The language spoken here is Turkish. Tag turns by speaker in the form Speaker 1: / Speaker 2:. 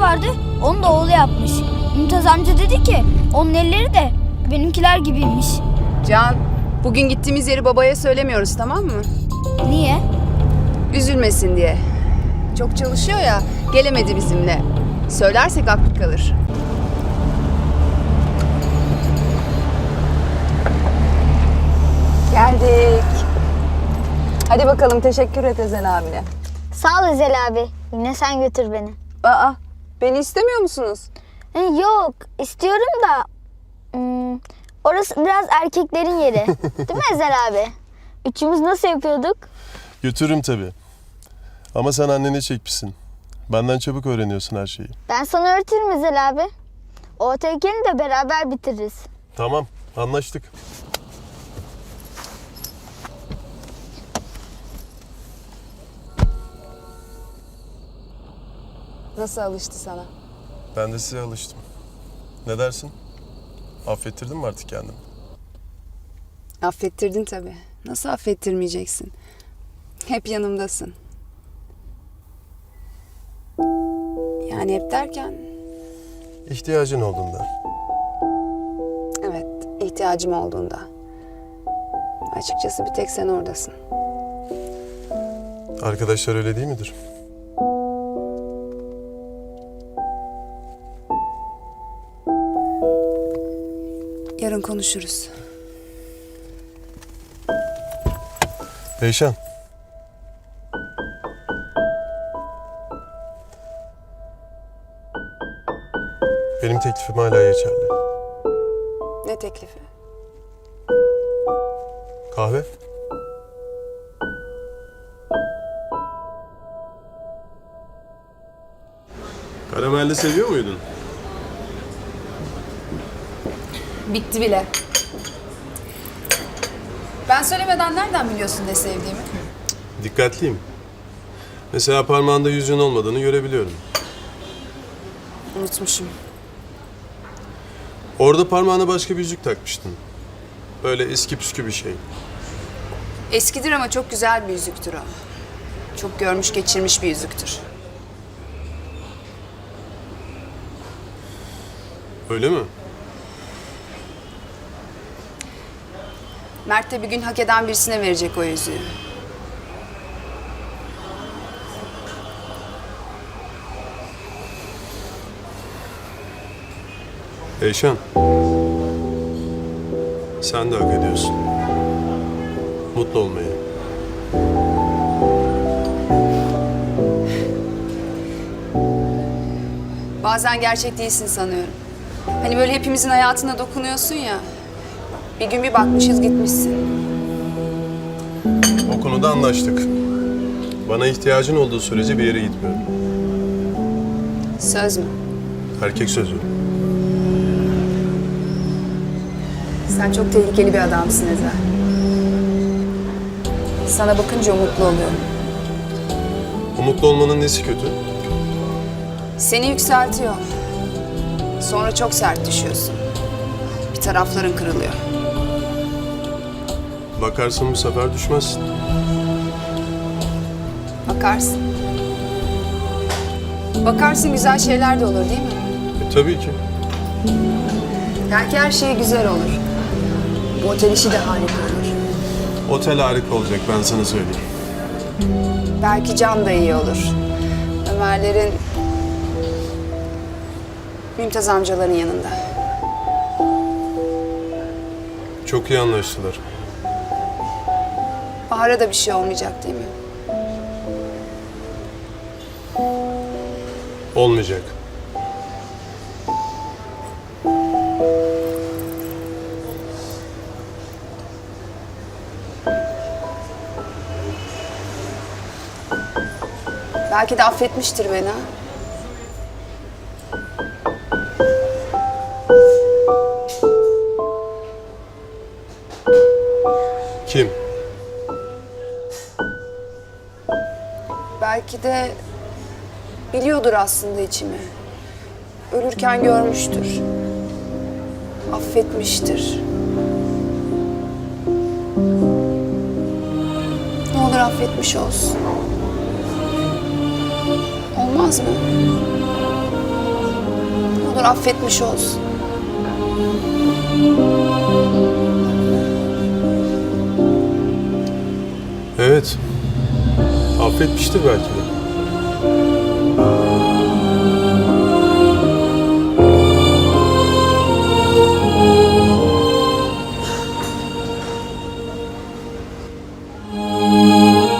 Speaker 1: vardı, onu da oğlu yapmış. Mümtaz amca dedi ki onun elleri de benimkiler gibiymiş.
Speaker 2: Can, bugün gittiğimiz yeri babaya söylemiyoruz, tamam mı?
Speaker 1: Niye?
Speaker 2: Üzülmesin diye. Çok çalışıyor ya, gelemedi bizimle. Söylersek aklı kalır. Geldik. Hadi bakalım, teşekkür et Ezel abine.
Speaker 3: Sağ ol Ezel abi. Yine sen götür beni.
Speaker 2: Aa, beni istemiyor musunuz?
Speaker 3: Yok, istiyorum da orası biraz erkeklerin yeri. Değil mi Ezel abi? Üçümüz nasıl yapıyorduk?
Speaker 4: Götürürüm tabii. Ama sen annene çekmişsin. Benden çabuk öğreniyorsun her şeyi.
Speaker 3: Ben sana öğretirim Ezel abi. O tehlikeni de beraber bitiririz.
Speaker 4: Tamam, anlaştık.
Speaker 2: Nasıl alıştı sana?
Speaker 4: Ben de size alıştım. Ne dersin? Affettirdin mi artık kendini?
Speaker 2: Affettirdin tabii. Nasıl affettirmeyeceksin? Hep yanımdasın. Yani hep derken,
Speaker 4: İhtiyacın olduğunda.
Speaker 2: evet, ihtiyacım olduğunda. Açıkçası bir tek sen oradasın.
Speaker 4: Arkadaşlar öyle değil midir?
Speaker 2: Yarın konuşuruz.
Speaker 4: Eyşan. Benim teklifim hala geçerli.
Speaker 2: Ne teklifi?
Speaker 4: Kahve? Karamelli seviyor muydun?
Speaker 2: Bitti bile. Ben söylemeden nereden biliyorsun ne sevdiğimi?
Speaker 4: Dikkatliyim. Mesela parmağında yüzüğün olmadığını görebiliyorum.
Speaker 2: Unutmuşum.
Speaker 4: Orada parmağına başka bir yüzük takmıştın. Böyle eski püskü bir şey.
Speaker 2: Eskidir ama çok güzel bir yüzüktür o. Çok görmüş geçirmiş bir yüzüktür.
Speaker 4: Öyle mi?
Speaker 2: Mert de bir gün hak eden birisine verecek o yüzüğü.
Speaker 4: Eyşan. Sen de hak ediyorsun. Mutlu olmayı.
Speaker 2: Bazen gerçek değilsin sanıyorum. Hani böyle hepimizin hayatına dokunuyorsun ya. Bir gün bir bakmışız gitmişsin.
Speaker 4: O konuda anlaştık. Bana ihtiyacın olduğu sürece bir yere gitmiyorum.
Speaker 2: Söz mü?
Speaker 4: Erkek sözü.
Speaker 2: Sen çok tehlikeli bir adamsın Ezel. Sana bakınca umutlu oluyorum.
Speaker 4: Umutlu olmanın nesi kötü?
Speaker 2: Seni yükseltiyor. Sonra çok sert düşüyorsun. Bir tarafların kırılıyor.
Speaker 4: Bakarsın bu sefer düşmezsin.
Speaker 2: Bakarsın. Bakarsın güzel şeyler de olur değil mi?
Speaker 4: Tabii ki.
Speaker 2: Belki her şey güzel olur. Bu otel işi de harika olur.
Speaker 4: Otel harika olacak, ben sana söyleyeyim.
Speaker 2: Belki Can da iyi olur. Ömerlerin, Mümtaz amcaların yanında.
Speaker 4: Çok iyi anlaştılar.
Speaker 2: Bahar'a da bir şey olmayacak değil mi?
Speaker 4: Olmayacak.
Speaker 2: Belki de affetmiştir beni ha.
Speaker 4: Kim?
Speaker 2: Belki de biliyordur aslında içimi. Ölürken görmüştür. Affetmiştir. Ne olur affetmiş olsun. Olmaz mı? olur affetmiş olsun.
Speaker 4: Evet. Affetmiştir belki de.